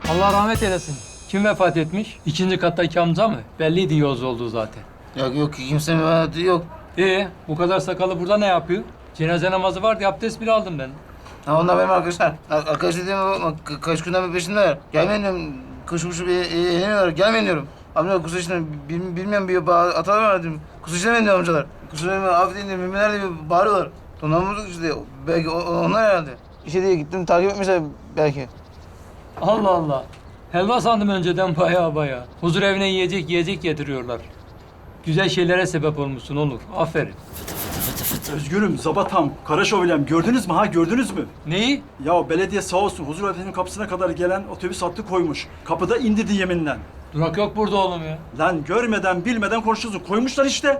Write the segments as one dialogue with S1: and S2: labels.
S1: Allah rahmet eylesin. Kim vefat etmiş? İkinci kattaki amca mı? Belliydi yoz olduğu zaten.
S2: Yok kimse müvekkili yok.
S1: Bu kadar sakalı burada ne yapıyor? Cenaze namazı vardı, abdest bile aldım ben.
S2: Ha onlar benim arkadaşlar. Arkadaş dediğime bakma. Kaç günden bir peşindeler. Gelmeyin diyorum. Koşu koşu bir eğleniyorlar. Gelmeyin diyorum. Amcalar kusur işine bilmiyorum bir hatalar var dedim. Kusur işlemeyin diyor amcalar. Kusur işlemeyin affedin diyor. Müminler diye bağırıyorlar. Donanmamız işte. Belki onlar herhalde. İşe diye gittim takip etmişler belki.
S1: Allah Allah. Helva sandım önceden baya. Huzur evine yiyecek getiriyorlar. Güzel şeylere sebep olmuşsun Onur. Aferin.
S3: Özgürüm, Zabatam, Kara Şövalyem gördünüz mü ha gördünüz mü?
S1: Neyi?
S3: Ya belediye sağ olsun huzur evinin kapısına kadar gelen otobüs hattı koymuş. Kapıda indirdi yeminle.
S1: Durak yok burada oğlum ya.
S3: Lan görmeden bilmeden konuşuyorsun. Koymuşlar işte.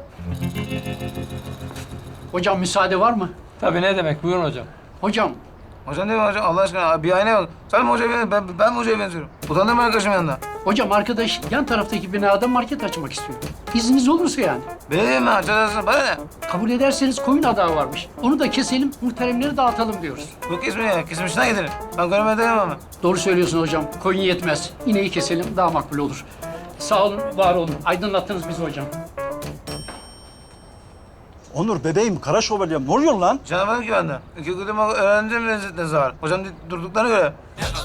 S4: Hocam müsaade var mı?
S1: Tabii ne demek? Buyurun hocam.
S4: Hocam,
S2: Hocam değil mi hocam? Allah aşkına bir aynaya bak. Sen mi hocaya benziyorsun? Ben mi hocaya benziyorum? Utandırma arkadaşım yanında.
S4: hocam arkadaş yan taraftaki binada market açmak istiyor. İzniniz olursa yani.
S2: Belediye mi? Açarsın. Bana ne?
S4: Kabul ederseniz koyun adağı varmış. Onu da keselim, muhteremleri dağıtalım diyoruz.
S2: Yok kesme ya. Kesim işine gidelim. Ben görmeye dayanamam ben.
S4: Doğru söylüyorsun hocam. Koyun yetmez. İneği keselim, daha makbul olur. Sağ olun, var olun. Aydınlattınız bizi hocam.
S3: Onur bebeğim, Kara Şövalyem ne oluyor lan?
S2: Canım ki benden. İki kudum öğrendim lezzetine zar. Hocam durduklarına göre.